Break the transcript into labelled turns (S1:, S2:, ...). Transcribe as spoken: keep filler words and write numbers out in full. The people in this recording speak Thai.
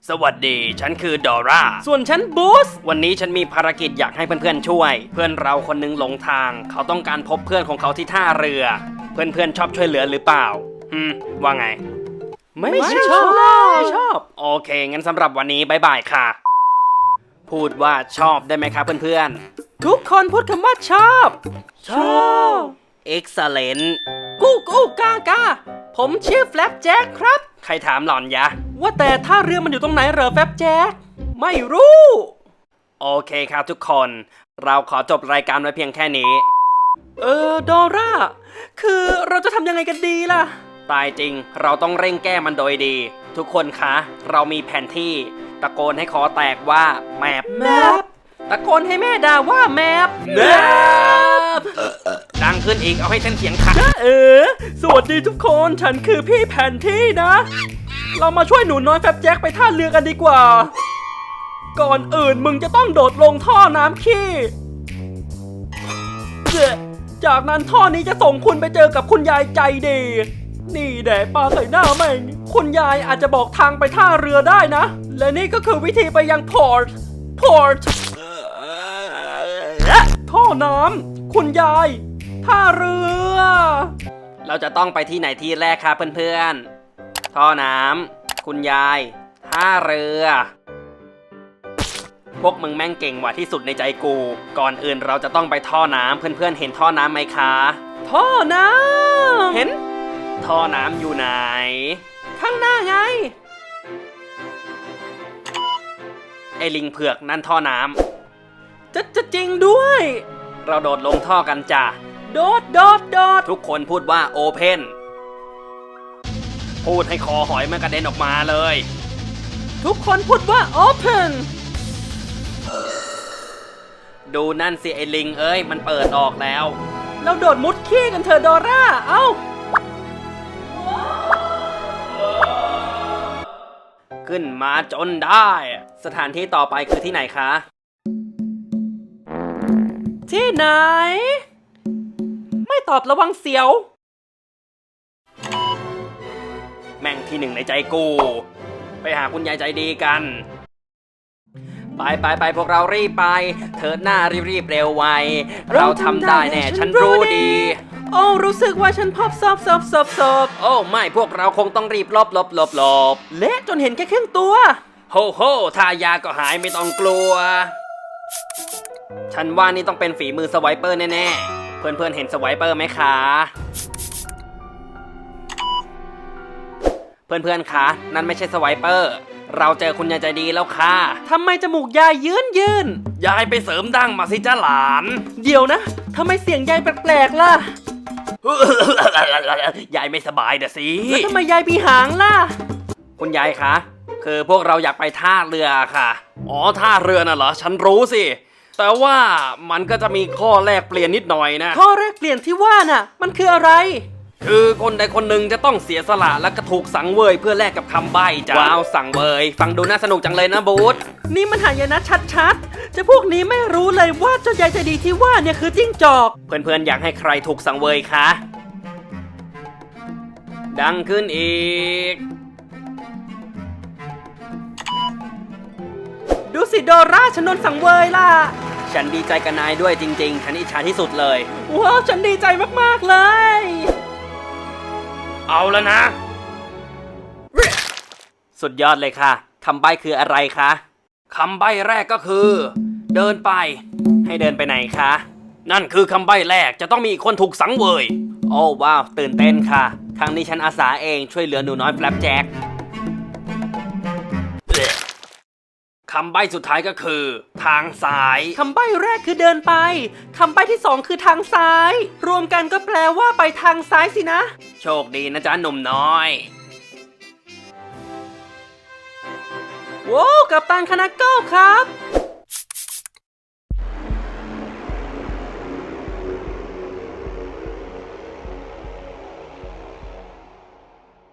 S1: สวัสดีฉันคือดอร่าส่วนฉันบูสวันนี้ฉันมีภารกิจอยากให้เพื่อนๆช่วยเพื่อนเราคนนึงหลงทางเขาต้องการพบเพื่อนของเขาที่ท่าเรือเพื่อนๆชอบช่วยเหลือหรือเปล่าอืมว่าไงไม่ชอบไม่ชอบโอเคงั้นสำหรับวันนี้บายบายค่ะพูดว่าชอบได้ไหมครับเพื่อนๆทุกคนพูดคำว่าชอบชอบ excellent กู้กู้กากาผมชื่อแฟลปแจ็คครับใครถามหล่อนยะว่าแต่ท่าเรือมันอยู่ตรงไหนเหรอแฟลปแจ็คไม่รู้โอเคครับทุกคนเราขอจบรายการไว้เพียงแค่นี้เออดอร่าคือเราจะทำยังไงกันดีล่ะตายจริงเราต้องเร่งแก้มันโดยดีทุกคนคะเรามีแผนที่ตะโกนให้คอแตกว่าแมปแมปตะโกนให้แม่ด่าว่าแมปแมปดังขึ้นอีกเอาให้เส้นเสียงขาดเออสวัสดีทุกคนฉันคือพี่แผนที่นะเรามาช่วยหนูน้อยแฟบแจ็คไปท่าเรือกันดีกว่าก่อนอื่นมึงจะต้องโดดลงท่อน้ำขี้จากนั้นท่อนี้จะส่งคุณไปเจอกับคุณยายใจดีนี่แดดปลาใส่หน้าแม่งคุณยายอาจจะบอกทางไปท่าเรือได้นะและนี่ก็คือวิธีไปยังพอร์ตพอร์ตท่อน้ำคุณยายท่าเรือเราจะต้องไปที่ไหนที่แรกครับเพื่อนๆท่อน้ำคุณยายท่าเรือพวกมึงแม่งเก่งกว่าที่สุดในใจกูก่อนอื่นเราจะต้องไปท่อน้ำเพื่อนๆเห็นท่อน้ำไหมคะท่อน้ำเห็นท่อน้ำอยู่ไหนข้างหน้าไงไอลิงเผือกนั่นท่อน้ำจะจะจริงด้วยเราโดดลงท่อกันจ้ะโดดโดดโดดทุกคนพูดว่าโอเพนพูดให้คอหอยมันกระเด็นออกมาเลยทุกคนพูดว่าโอเพนดูนั่นสิไอลิงเอ้ยมันเปิดออกแล้วเราโดดมุดขี้กันเถอะดอร่าเอ้าขึ้นมาจนได้สถานที่ต่อไปคือที่ไหนคะที่ไหนไม่ตอบระวังเสียวแม่งที่หนึ่งในใจกูไปหาคุณยายใจดีกันไปไปไปพวกเรารีบไปเถิดหน้ารีบรีบเร็วไวเราทำได้แน่ฉันรู้ดีโอ้รู้สึกว่าฉันพบซอบซอบซอบซอบโอ้ไม่พวกเราคงต้องรีบลบลบลบลบเละจนเห็นแค่ครึ่งตัวโฮโฮทายาก็หายไม่ต้องกลัวฉันว่านี่ต้องเป็นฝีมือสไวเปอร์แน่ๆเพื่อนๆเห็นสไวเปอร์ไหมคะเพื่อนๆคะนั่นไม่ใช่สไวเปอร์เราเจอคุณยายใจดีแล้วค่ะทำไมจมูกยายยืนยืนยายไปเสริมดั้งมาสิจ้าหลานเดี๋ยวนะทำไมเสียงยายแปลกๆล่ะ ยายไม่สบายเด้อสิแล้วทำไมยายมีหางล่ะคุณยายคะคือพวกเราอยากไปท่าเรือค่ะอ๋อท่าเรือน่ะเหรอฉันรู้สิแต่ว่ามันก็จะมีข้อแลกเปลี่ยนนิดหน่อยนะข้อแลกเปลี่ยนที่ว่าน่ะมันคืออะไรคือคนใดคนหนึ่งจะต้องเสียสละและก็ถูกสังเวยเพื่อแลกกับคำใบ้จ้ะว้าวสังเวยฟังดูน่าสนุกจังเลยนะบูธนี่มันหายนะชัดๆจะพวกนี้ไม่รู้เลยว่าเจ้ายายใจดีที่ว่าเนี่ยคือจิ้งจอกเพื่อนๆอยากให้ใครถูกสังเวยคะดังขึ้นอีกดูสิดอร่าฉันโดนสังเวยล่ะฉันดีใจกับนายด้วยจริงๆฉันอิจฉาที่สุดเลยว้าวฉันดีใจมากๆเลยเอาแล้วนะสุดยอดเลยค่ะคำใบ้คืออะไรคะคำใบ้แรกก็คือเดินไปให้เดินไปไหนคะนั่นคือคำใบ้แรกจะต้องมีคนถูกสังเวยโอ้ว้าวตื่นเต้นค่ะครั้งนี้ฉันอาสาเองช่วยเหลือหนูน้อยแฟลปแจ็คคำใบ้สุดท้ายก็คือทางซ้ายคำใบ้แรกคือเดินไปคำใบ้ที่สองคือทางซ้ายรวมกันก็แปลว่าไปทางซ้ายสินะโชคดีนะจ๊ะหนุ่มน้อยว้าวกัปตันคานาโก้ครับ